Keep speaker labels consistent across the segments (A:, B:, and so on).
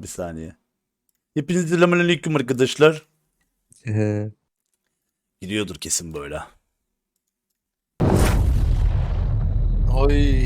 A: bir saniye. Hepinize selamünaleyküm arkadaşlar. Gidiyordur kesin böyle.
B: Oy.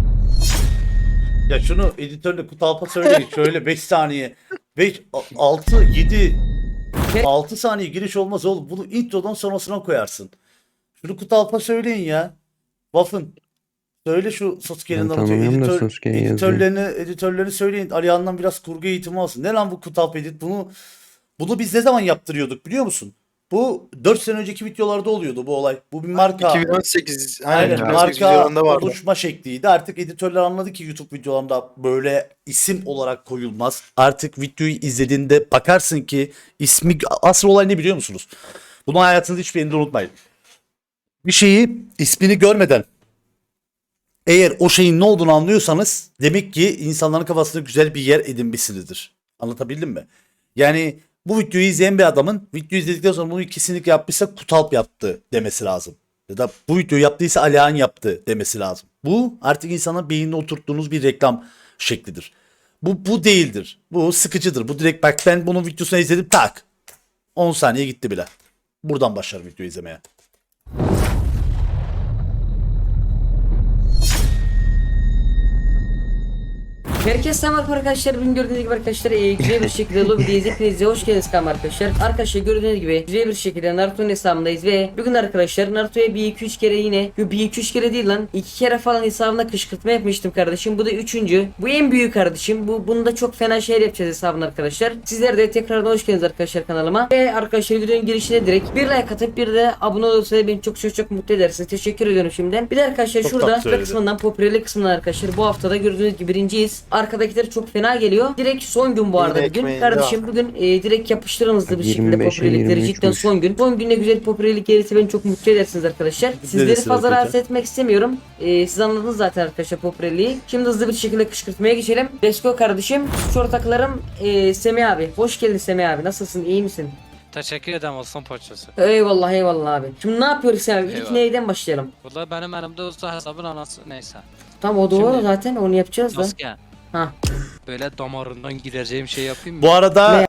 A: Ya şunu editörle Kutalp'a söyleyin. Şöyle 5 saniye. 5, 6, 7, 6 saniye giriş olmaz oğlum. Bunu introdan sonrasına koyarsın. Şunu Kutalp'a söyleyin ya. Waffen. Söyle şu Sasuke'nin
C: Ben
A: anlatıyor.
C: tanımıyorum da Sasuke'yi yazıyor.
A: Editörlerini söyleyin. Alihan'dan biraz kurgu eğitimi alsın. Ne lan bu Kutalp edit? Bunu biz ne zaman yaptırıyorduk biliyor musun? Bu 4 sene önceki videolarda oluyordu bu olay. Bu bir marka.
B: 2018.
A: Aynen
B: 2018
A: marka
B: videolarında vardı.
A: oluşma şekliydi. Artık editörler anladı ki YouTube videolarında böyle isim olarak koyulmaz. Artık videoyu izlediğinde bakarsın ki ismi asıl olay ne biliyor musunuz? Bunu hayatınızda hiçbir yerinde unutmayın. Bir şeyi ismini görmeden eğer o şeyin ne olduğunu anlıyorsanız demek ki insanların kafasında güzel bir yer edinmişsinizdir. Anlatabildim mi? Yani bu videoyu izleyen bir adamın videoyu izledikten sonra bunu kesinlikle yapmışsa Kutalp yaptı demesi lazım. Ya da bu videoyu yaptıysa Alihan yaptı demesi lazım. Bu artık insanın beynine oturttuğunuz bir reklam şeklidir. Bu değildir. Bu sıkıcıdır. Bu direkt bak ben bunun videosunu izledim tak. 10 saniye gitti bile. Buradan başlarım videoyu izlemeye.
D: Herkese selam arkadaşlar. Bugün gördüğünüz gibi arkadaşlar güzel bir şekilde lobideyiz. Hepinize hoş geldiniz arkadaşlar. Arkadaşlar gördüğünüz gibi güzel bir şekilde Naruto'nun hesabındayız ve bugün arkadaşlar Naruto'ya 1-2-3 kere yine 1-2-3 kere değil lan 2 kere falan hesabına kışkırtma yapmıştım kardeşim. Bu da 3. Bu en büyük kardeşim. Bunda çok fena şeyler yapacağız hesabına arkadaşlar. Sizler de tekrardan hoş geldiniz arkadaşlar kanalıma. Ve arkadaşlar videonun girişine direkt bir like atıp bir de abone olursanız beni çok mutlu edersiniz. Teşekkür ediyorum şimdiden. Bir de arkadaşlar
A: Çok
D: şurada
A: tatlı
D: kısmından popülerlik kısmından arkadaşlar bu haftada gördüğünüz gibi birinciyiz. Arkadakiler çok fena geliyor. Direkt son gün bu arada
B: Yine
D: bugün.
B: ekmeğinde
D: Kardeşim bugün direkt yapıştırın hızlı bir şekilde
C: 25'e
D: popülerlikleri
C: 23'müş.
D: cidden son gün. Son günde güzel popülerlik gelirse beni çok mutlu edersiniz arkadaşlar. Sizleri
A: Neresi
D: fazla
A: var
D: rahatsız
A: peki?
D: etmek istemiyorum. Siz anladınız zaten arkadaşlar popülerliği. Şimdi hızlı bir şekilde kışkırtmaya geçelim. Let's go kardeşim. Suç ortaklarım Semih abi. Hoş geldin Semih abi. Nasılsın? İyi misin?
E: Teşekkür ederim olsun poçası.
D: Eyvallah eyvallah abi. Şimdi ne yapıyoruz Semih abi? İlk
E: Eyvallah.
D: neyden başlayalım?
E: Valla benim elimde olsa hesabın anası neyse.
D: Tamam o doğru
E: Şimdi-
D: zaten onu yapacağız da.
E: Sasuke
D: Ha.
E: böyle damarından gireceğim şey yapayım mı?
A: Bu arada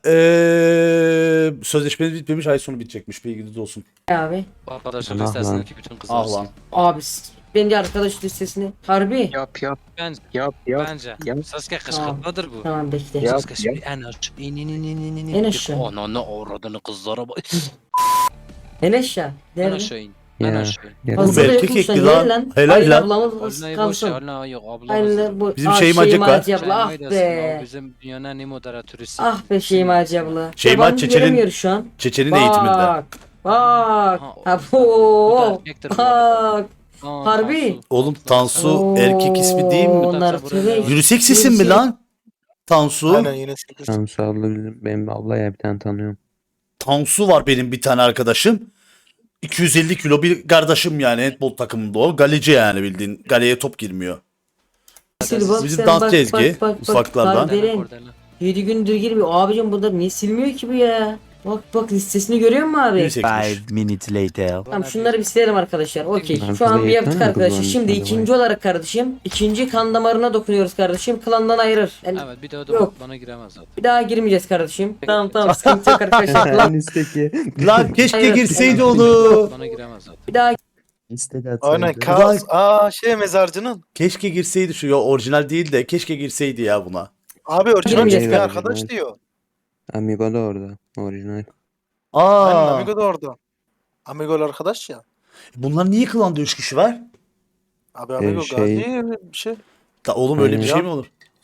A: sözleşmeniz bitmemiş, ay sonu bitecekmiş, bilginiz olsun.
D: Abi.
E: Bu arkadaşın
C: Allah
E: listesindeki bütün kızlar.
A: Ah lan.
D: Abi bence arkadaş listesini. Harbi.
C: Yap
E: Bence.
C: yap
E: Bence.
C: yap.
E: Sasuke kışkırtmadır bu.
D: Tamam bekle.
C: Ya.
E: Sasuke şimdi en aşağı. İn.
D: En aşağı.
E: Ananı avradını kızlara bak.
D: En aşağı.
E: En
D: Nerede?
E: aşağı in.
C: Ya.
E: En aşağı in.
C: Ya.
D: Fazla da
A: erkek
D: yokmuş lan,
A: ekli
D: gel
A: lan. Helal
D: Aynen
A: lan.
D: ablamız
E: Olnayı boş ver.
D: kalsın.
E: Olnay yok ablamız.
D: Aynen bu.
A: Bizim
D: Ah,
A: Şeymacık var.
D: Şeymacı abla ah be.
E: Bizim dünyanın en iyi moderatörüsü.
D: Ah be Şeymacı abla.
A: Şeyma
D: Yabancı
A: Çeçen'in-
D: göremiyor şu an.
A: Çeçen'in eğitiminde.
D: Bak. Bak.
E: Ha,
D: Ha
E: bu da
D: bu.
E: erkektir bu arada.
D: Bak.
E: Aa,
D: Harbi.
E: Tansu.
A: Oğlum Tansu
D: Oo,
A: erkek ismi değil mi?
D: Onlar
E: Buraya
D: tüve.
E: bak.
A: Unisex isim mi lan? Tansu.
B: Aynen yine 8.
C: Tamam sağ ol. Benim abla ya bir tane tanıyorum.
A: Tansu var benim bir tane arkadaşım. 250 kilo bir kardeşim yani handball takımında o. Galeci yani bildiğin. Galeye top girmiyor.
D: Sil bak
A: Bizim
D: sen,
A: dansçı
D: bak,
A: Ezgi,
D: bak,
A: ufaklardan.
D: Kardelen.
E: Kordelen.
D: 7 gündür girmiyor. Abicim burada niye silmiyor ki bu ya? Bak listesini görüyor musun abi?
A: Unisex'miş.
F: minutes later.
D: Tamam şunları bir silelim arkadaşlar. Okey.
C: Ben
D: Şu an bir
C: şurada
D: yaptık
C: yeter mi
D: arkadaşlar.
C: kullanmış
D: Şimdi
C: arabayı?
D: ikinci olarak kardeşim. İkinci kan damarına dokunuyoruz kardeşim. Klandan ayırır. Yani
E: Evet bir de o da
D: Yok.
E: bana giremez zaten.
D: bir daha girmeyeceğiz kardeşim. Tamam sıkıntı yok arkadaşlar. Klan
C: Listeki.
A: Lan keşke
D: Hayır.
A: girseydi onu.
E: Bana giremez zaten.
D: bir daha
C: Listede
B: Aynen
C: atsaydı.
B: Kaos. Aa mezarcının.
A: Keşke girseydi şu ya, orijinal değil de keşke girseydi ya buna.
B: Abi orijinal
D: Girmeyeceğiz
B: bir
C: kardeşim.
B: arkadaş diyor.
C: Amigo da orada. Orijinal.
B: Aynen
A: Aa.
B: Amigo da orada. Amigo'lu arkadaş ya.
A: Bunlar niye klanda 3 kişi var?
B: Abi Amigo
C: şey-
B: Gazi bir şey.
A: Da oğlum öyle bir
C: Aynen.
A: şey mi olur?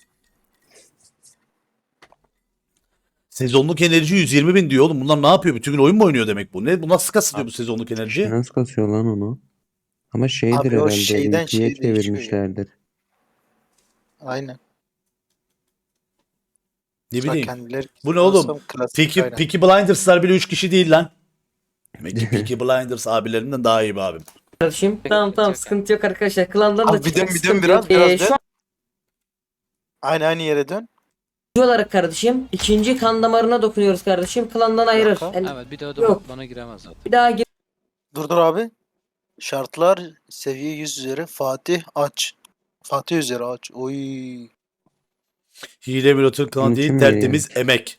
A: Sezonluk enerji 120 bin diyor oğlum. Bunlar ne yapıyor? Bütün gün oyun mu oynuyor demek bu? Ne? Bu nasıl kasılıyor bu sezonluk enerji?
C: Nasıl kasıyor lan onu? Ama şeydir
B: Abi o
C: herhalde.
B: şeyden
C: ülkeye
B: şeye değişiyor ya.
C: çevirmişlerdir.
B: Aynen.
A: Ne bileyim.
B: Kendileri
A: Bu ne oğlum?
B: Nasıl klasik,
A: Peaky,
B: aynen.
A: Peaky Blinders'lar bile 3 kişi değil lan. Demek ki Peaky Blinders abilerinden daha iyi bir abim.
D: kardeşim. Tamam sıkıntı yok arkadaşlar. Klandan da
B: Abi bir dön,
D: çıktık,
B: bir dön
D: sıkıntı
B: biraz,
D: yok.
B: biraz
D: Şu
B: dön.
D: an
B: Aynı yere dön.
D: ikinci olarak kardeşim. İkinci kan damarına dokunuyoruz kardeşim. Klandan ayırır.
B: Yok.
D: Yani
E: Evet bir de o da
D: Yok.
E: bana giremez zaten.
D: bir daha gir.
B: Dur abi. Şartlar seviye 100 üzeri Fatih aç. Fatih üzeri aç. Oy.
A: Hile emülatör kanalı değil,
C: Mümkün
A: tertemiz emek.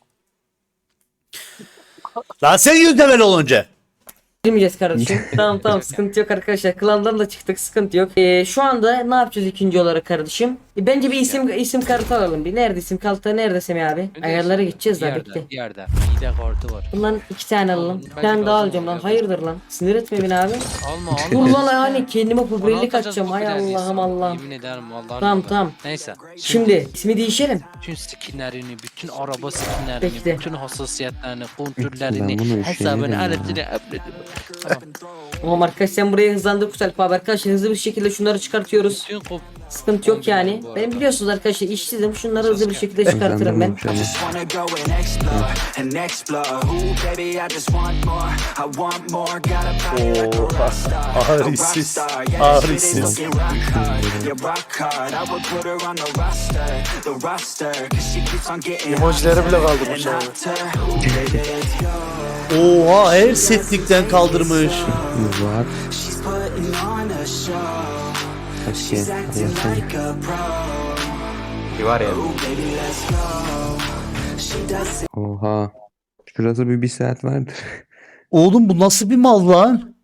A: Lan sen 100 level olunca.
D: Girmeyeceğiz kardeşim. Tamam sıkıntı yok arkadaşlar. Klandan da çıktık, sıkıntı yok. Şu anda ne yapacağız ikinci olarak kardeşim? Bence bir isim kartı alalım. Bir nerede isim kartı, nerede Semih abi? Ayarlara gideceğiz
E: Bir
D: daha
E: yerde,
D: bekle.
E: bir yerde. Hile kartı var.
D: Bundan 2 tane alalım. Bir
E: Bence
D: tane daha
E: lazım
D: alacağım lan.
E: oluyor.
D: Hayırdır lan? Sinir etme beni abi.
E: Alma
D: Dur
E: alma.
D: lan hani kendime
E: Onu
D: popülerlik
E: atacağız
D: atacağım.
E: bu
D: Ay
E: filan
D: Allah'ım
E: insan.
D: Allah'ım.
E: Yemin ederim Allah'ım.
D: Tamam.
E: Neyse.
D: Şimdi ismi değişelim.
E: bütün skinlerini, bütün araba skinlerini,
D: Bekle.
E: bütün hassasiyetlerini,
C: Ben bunu
E: kontrollerini,
C: üşenirim
E: hesabını,
C: ya.
E: aletini upload'ını. Tamam.
D: Tamam arkadaş, sen buraya hızlandır Kusel abi. Arkadaşlar hızlı bir şekilde şunları çıkartıyoruz.
E: Bütün kop
D: Sıkıntı yok yani.
E: Bu
D: Benim
E: arada.
D: biliyorsunuz arkadaşlar işsizim. Şunları hızlı bir şekilde çıkartırım ben.
C: Şöyle.
F: Just wanna go and explore and explore. Ooh, baby, I just want more. I want more. Got a body like a rock star. A rock
A: Ağrısız.
F: star. Yeah,
A: Ağrısız.
F: this shit is looking rock hard. Yeah, rock hard. I would put her on the roster. The roster. 'Cause she keeps on getting
B: Emojileri bile
F: hotter
B: kaldırmış
F: and
B: abi.
F: hotter. Ooh, baby, let's go.
A: Oha, her setlikten kaldırmış.
C: Rahat.
F: She's putting on a show.
C: Kaç
F: She's
C: kere
F: acting
C: yapsana.
F: like a pro.
G: Var ya.
F: Ooh, baby, let's go. She does it.
C: Oha. Şurası bir saat vardır.
A: Oğlum bu nasıl bir mal lan?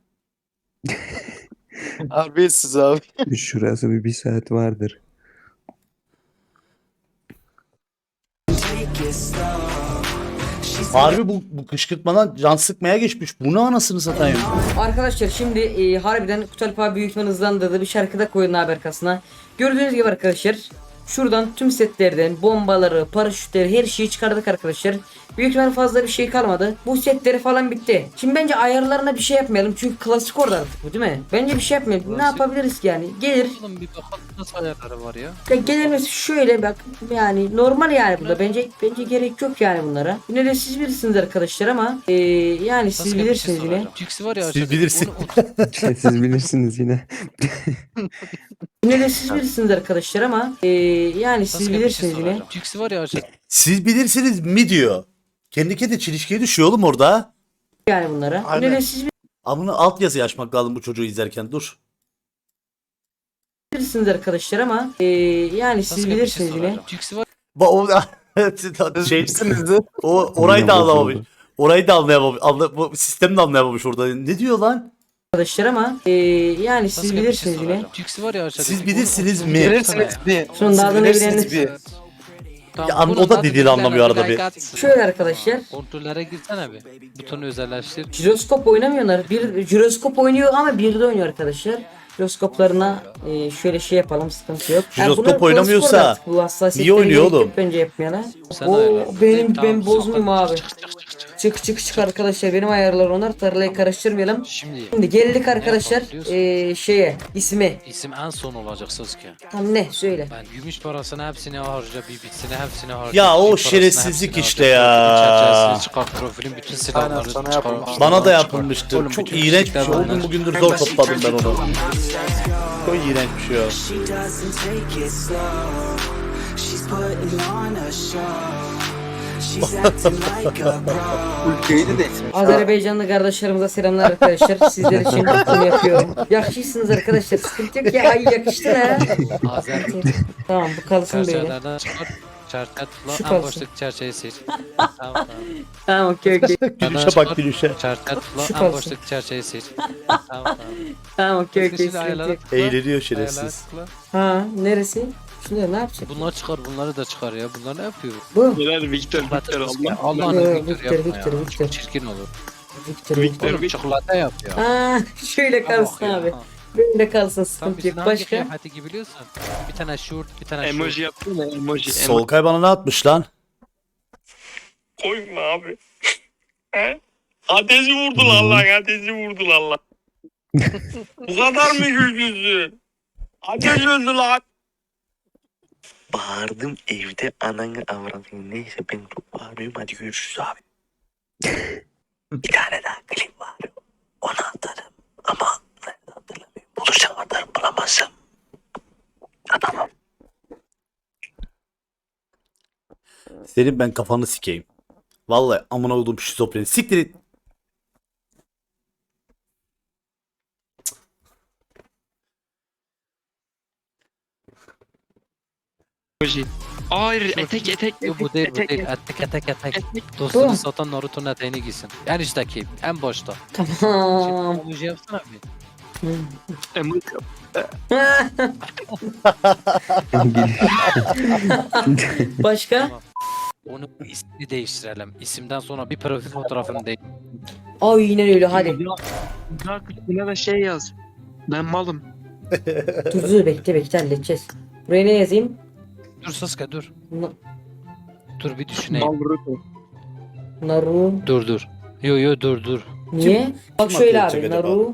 B: Harbiyesiz abi.
C: Şurası bir saat vardır.
F: Take it slow. She's
A: Harbi bu kışkırtmadan can sıkmaya geçmiş. Bu ne anasını satayım?
D: Arkadaşlar şimdi harbiden Kutalp abi büyük ihtimal hızlandırdı. Bir şarkıda koyun haber arkasına. Gördüğünüz gibi arkadaşlar şuradan tüm setlerden bombaları, paraşütleri, her şeyi çıkardık arkadaşlar. Büyük ihtimal fazla bir şey kalmadı. Bu setleri falan bitti. Şimdi bence ayarlarına bir şey yapmayalım. Çünkü klasik orada artık bu, değil mi? Bence bir şey yapmayalım. Ne
E: Klasik.
D: yapabiliriz ki yani? Gelir.
E: Oğlum bir bakalım nasıl ayarları var ya.
D: Ya gelirmesi şöyle bak, yani normal yani burada bence gerek yok yani bunlara. Yine de siz bilirsiniz arkadaşlar ama yani siz
E: Başka bir şey
D: bilirsiniz yine.
E: soracağım. Cix'i var ya
A: Siz
E: aşağıda,
A: bilirsiniz.
C: Siz bilirsiniz yine.
D: Yine de siz bilirsiniz arkadaşlar ama yani siz
E: Başka bir şey
D: bilirsiniz yine.
E: soracağım. Cix'i var ya aşağıda.
A: Siz bilirsiniz mi diyor. Kendi kendine çelişkiye düşüyor oğlum orada.
D: Yani bunlara. Yine
B: Aynen.
D: de siz
A: Amına alt yazı açmak lazım bu çocuğu izlerken. Dur.
D: bilirsiniz arkadaşlar ama yani siz
E: Başka bir şey
D: bilirsiniz yine.
E: soracağım. Cix'i var
A: O şey, orayı da anlamamış. Orayı da anlayamamış. Bu sistemi de anlayamamış orada. Ne diyor lan?
D: Arkadaşlar ama yani siz
E: Başka bir şey
D: bilirsiniz yine.
E: soracağım. Cix'i var ya aşağıda.
A: Siz bilirsiniz mi?
B: Bilirsiniz bir.
D: Şunun da adını
B: Bilirsiniz
D: bileniniz.
B: bir.
A: Ya, o da dediğini anlamıyor arada bir.
D: Şöyle arkadaşlar.
E: Kontrollere girsene bir. Butonu özelleştir.
D: Jiroskop oynamıyorlar. Bir jiroskop oynuyor ama bir de oynuyor arkadaşlar. Jiroskoplarına şöyle şey yapalım, sıkıntı yok.
A: Jiroskop
D: bunlar klasik
A: oynamıyorsa
D: orada artık, bu hassasiyetleri
A: niye oynuyor
D: gerek yok
A: oğlum?
D: Bence yapmayana.
E: Sen
D: Oo,
E: ayarla.
D: ben
E: Tamam,
D: bozmayayım
E: sokak.
D: abi. Çık arkadaşlar, benim ayarlar onlar, tarlayı karıştırmayalım. Şimdi geldik arkadaşlar
E: yapalım
D: şeye, ismi.
E: İsim en son olacak Sasuke.
D: Tam ne söyle.
E: Ben gümüş parasını hepsini harca, bibisini hepsini harca.
A: Ya o
E: bütün parasını
A: şerefsizlik
E: hepsini
A: işte
E: harca,
A: ya.
E: profilin çerçevesini çıkar, profilin bütün silahlarını
B: sana
E: çıkar.
B: yapılmış.
A: Bana da
E: çıkar.
A: yapılmıştı.
E: Oğlum,
A: Çok
E: bütün
A: iğrenç bir şey.
E: fişekler
A: O gün
E: bunlar.
A: bugündür zor topladım ben onu. Çok iğrenç bir şey o.
F: She doesn't take it slow. She's putting on a show. She's acting like a pro.
G: Ülkeyi de ismi.
D: Azerbaycanlı kardeşlerimize selamlar arkadaşlar. Sizler için bunu yapıyorum. Yakışırsınız arkadaşlar. Sıkıntı yok ya. Ay yakıştın ha.
E: Azer
D: Tamam, bu kalsın böyle.
E: çerçevelerden çıkar. Çerçeve
D: Şu
E: tıkla, en
D: kalsın.
E: baştaki çerçeveyi sil. Tamam.
D: Tamam, okey.
A: Gülüşe bak gülüşe.
E: Çerçeve
D: Şu
E: tıkla, en
D: kalsın.
E: baştaki çerçeveyi sil. Tamam.
D: Tamam, okey.
E: Şimdi
D: Sıkıntı
E: ayarlara
D: yok.
E: tıkla,
A: Eğleniyor
E: ayarlara
A: şerefsiz.
E: tıkla.
D: Ha, neresi? Şunu ne yapacak?
E: Bunlar çıkar, bunları da çıkar ya. Bunlar ne yapıyor?
D: Bu.
G: Neler Victor Victor Allah.
E: Allah'ını
D: Yo,
E: Victor
D: Victor,
E: yapma ya.
D: Victor.
E: Çok çirkin olur.
D: Victor.
E: Oğlum çikolata yap ya.
D: Ha, şöyle kalsın
E: Ya.
D: abi. Böyle kalsın,
E: Tam
D: sıkıntı
E: bizim
D: yok.
E: hangi
D: Başka?
E: kıyafeti gibiliyorsun? Bir tane şort, bir tane
G: Emoji yaptın mı? Emoji.
A: Solkay bana ne atmış lan?
H: Koyma abi. He? Ateşi vurdular lan, ateşi vurdular lan. Bu kadar mı güçlüsün? Ateş öldü lan.
I: Bağırdım evde ananı avradını, neyse ben çok bağırıyorum, hadi görüşürüz abi. Bir tane daha klip var, onu atarım ama nerede hatırlamıyorum, bulursam atarım, bulamazsam atamam.
A: Senin ben kafanı sikeyim. Vallahi amına koydum şizofreni. Siktir et.
G: Emoji. Hayır etek.
E: Yok bu değil bu
G: etek.
E: değil. Etek. Dostunu satan Naruto'nun eteğini giysin. En üstteki, en başta.
D: Tamam.
E: Emoji yapsana bir.
G: Emoji.
D: Başka?
E: Onu ismini değiştirelim. İsimden sonra bir profil fotoğrafını değiştir.
D: Aynen öyle hadi.
G: Daha küçüğüne de şey yaz. Ben malım.
D: Dur bekle halledeceğiz. Buraya ne yazayım?
E: Dur Sasuke dur.
D: Na-
E: Dur bir düşüneyim.
G: Mal Naruto.
D: Naru.
E: Dur. Yo dur.
D: Niye? Bak
A: Kim
D: şöyle
A: atlayacak
D: abi
A: acaba?
D: Naru.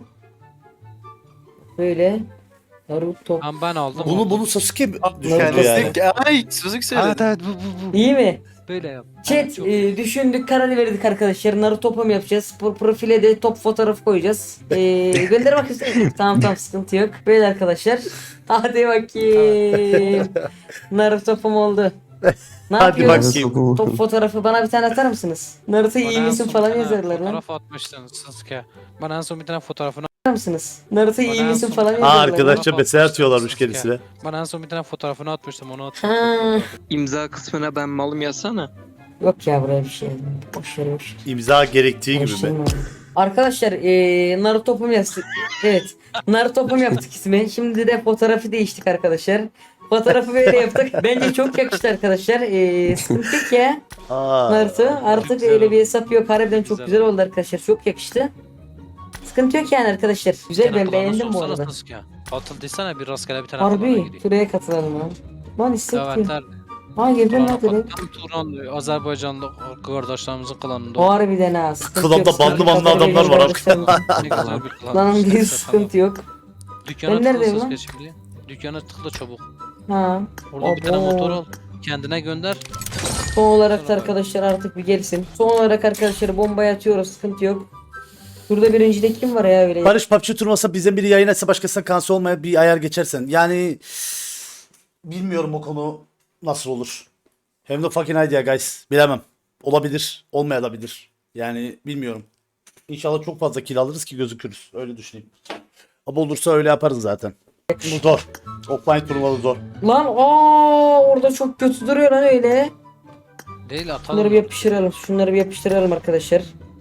D: Böyle. Naruto.
E: Tamam ben aldım.
A: Bunu Sasuke mi düşündü
B: Kendisi
A: yani?
B: ay Suzuki söyledi.
E: Evet bu.
D: İyi mi?
E: Böyle yap.
D: Chat
E: Evet, çok-
D: düşündük karar verdik arkadaşlar. Naruto topa mı yapacağız? Profile de top fotoğrafı koyacağız. Gönder bakayım. tamam sıkıntı yok. Böyle arkadaşlar. Hadi bakayım. Naruto topum oldu. Ne
A: Hadi
D: yapıyoruz?
A: bakayım.
D: Top fotoğrafı bana bir tane atar mısınız? Naruto iyi
E: Bana en
D: misin
E: son
D: falan
E: bir tane
D: yazarlar lan.
E: Fotoğraf atmıştın Sasuke. Bana en son bir tane fotoğrafını
D: Atar mısınız? Naruto iyi
E: Bana en
D: misin
E: son-
D: falan
E: Aa,
D: yazarlar.
A: Arkadaşça
E: Fotoğraf
A: mesaj
E: atmıştım
A: atıyorlarmış
E: Sasuke.
A: kendisine.
E: Bana en son bir tane fotoğrafını atmıştım onu at.
D: Ha.
G: İmza kısmına ben malım yazsana.
D: Yok ya buraya bir şey yazdım. Boş ver boş.
A: İmza gerektiği gibi mi?
D: Karıştırma. Arkadaşlar Naruto topum yaptık. Evet. Naruto topum yaptık ismi. Şimdi de fotoğrafı değiştik arkadaşlar. Fotoğrafı böyle yaptık. Bence çok yakıştı arkadaşlar. Sıkıntı yok ya. Naruto artık
E: güzel
D: öyle
E: oldu.
D: bir hesap yok. Harbiden çok
E: Güzel
D: güzel oldu arkadaşlar. Çok yakıştı. Sıkıntı yok yani arkadaşlar. Güzel ben beğendim bu arada.
E: Atıldıysan bir rastgele bir tane falan
D: Harbi
E: gireyim.
D: şuraya katılalım lan. Lan hissettim.
E: Davetler.
D: Ha girdim lan
E: Turan,
D: direkt.
E: Turan, Azerbaycanlı kardeşlerimizin klanında.
D: Harbiden ha. Sıkıntı
A: Klanda
D: yok.
A: bandı
D: Sıkıntı
A: bandı
D: yok.
A: adamlar var.
E: Ne güzel bir klan.
D: Lan
E: İşte,
D: bir
E: tamam.
D: sıkıntı yok.
E: Dükkana
D: Ben
E: tıkla
D: neredeyim
E: Sasuke
D: lan?
E: şimdi. Dükkana tıkla çabuk.
D: Ha.
E: Oradan bir tane
D: Abo.
E: motor al. Kendine gönder.
D: Son olarak da arkadaşlar artık bir gelsin. Son olarak arkadaşlar bombayı atıyoruz. Sıkıntı yok. Burada birincide kim var ya öyle?
A: Barış PUBG turnuvası bizden biri yayın etse başkasına kanser olmaya bir ayar geçersen. Yani bilmiyorum o konu nasıl olur. Hem de fucking idea guys. Bilemem. Olabilir. Olmayabilir. Yani bilmiyorum. İnşallah çok fazla kill alırız ki gözükürüz. Öyle düşüneyim. Ama olursa öyle yaparız zaten. Zor. Offline turnuvalı zor.
D: Lan orada çok kötü duruyor lan öyle.
E: Değil atalım.
D: Şunları bir yapıştıralım. Şunları bir yapıştıralım arkadaşlar.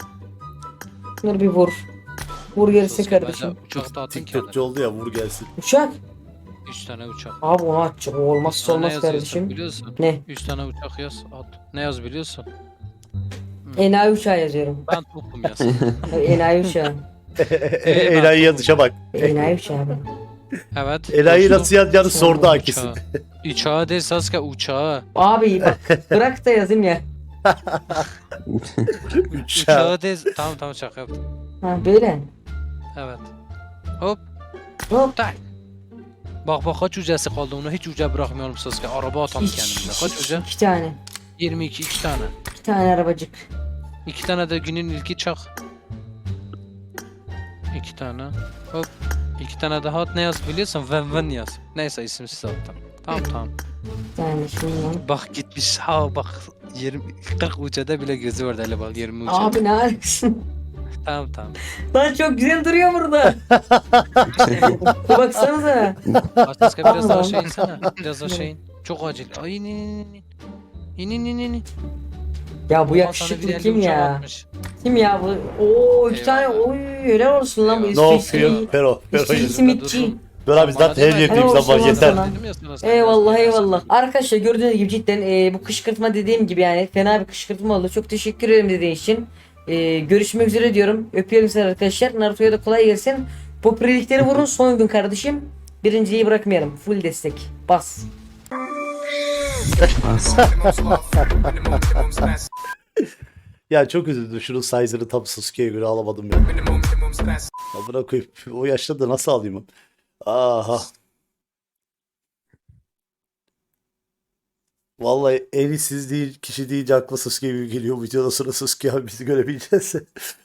D: Şunları bir vur. Vur gerisi
E: Sasuke,
D: kardeşim.
E: bence Uçakta atın
A: TikTokçu
E: kendine.
A: oldu ya vur gelsin.
D: Uçak.
E: 3 tane uçak.
D: Abi onu atacak. O olmazsa
E: Sana ne
D: olmaz
E: yazıyorsun
D: kardeşim.
E: biliyorsun?
D: Ne?
E: 3 tane uçak yaz at. Ne yaz biliyorsun?
D: Enayi uçağı yazıyorum.
E: Ben topum yaz.
D: Enayi uçağı.
A: Enayi yazışa bak.
D: Enayi uçağı.
E: Evet.
A: Enayi
E: dostum.
A: nasıl yazacağını sordu hakisi.
E: Uçağı. Uçağı değil Sasuke uçağı.
D: Abi bak bırak da yazayım ya.
A: Uçağı.
E: Uçağı değil. Tamam şaka yaptım.
D: Ha böyle.
E: Evet. Hop.
D: Hop.
E: Tak. Bak kaç ucası kaldı onu hiç uca bırakmıyorum Sasuke. Araba atalım kendimize. Kaç uca?
D: 2 tane.
E: 22 2 tane.
D: 2 tane arabacık.
E: 2 tane de günün ilki çak. 2 tane. Hop. 2 tane daha at ne yaz biliyorsun? Ven yaz. Neyse isimsiz attım. Tamam.
D: Bir tane şundan.
E: Bak gitmiş ha bak 20 40 ucada bile gözü var hele bak 20 ucada.
D: Abi ne alakasın?
E: Tamam.
D: Lan çok güzel duruyor burada. Baksanıza.
E: Sasuke biraz daha
D: Tamam.
E: aşağı insene. Biraz aşağı in. Çok acil. Ay in.
D: Ya bu
E: Ulan sana
D: yakışıklı
E: bir
D: kim
E: elde uçak
D: ya?
E: atmış.
D: Kim ya bu? Oo 2 tane.
E: Eyvallah.
D: Oy helal olsun lan bu
E: Eyvallah.
A: Ne
D: üstü
A: yapıyor? Pero.
D: İşçi simitçi.
A: Dur abi zaten her
E: Bana
A: yerdeyim
D: deme.
A: zaman
D: Helal
A: yeter.
D: olsun lan.
E: Dedim ya sana, sen
D: Eyvallah
E: biraz
D: eyvallah. Arkadaşlar gördüğünüz gibi cidden bu kışkırtma dediğim gibi yani fena bir kışkırtma oldu. Çok teşekkür ederim dediğin için. Görüşmek üzere diyorum. Öpüyorum sizi arkadaşlar. Naruto'ya da kolay gelsin. Popülerlikleri vurun son gün kardeşim. Birinciyi bırakmayalım. Full destek. Bas.
A: Ya çok üzüldüm. Şunun size'ını tam Sasuke'ye göre alamadım ya. Ya bırakayım. O yaşta da nasıl alayım? Aha. Vallahi en iyisiz değil, kişi deyince akla Sasuke gibi geliyor. Videoda sonra Sasuke abi bizi görebileceğiz.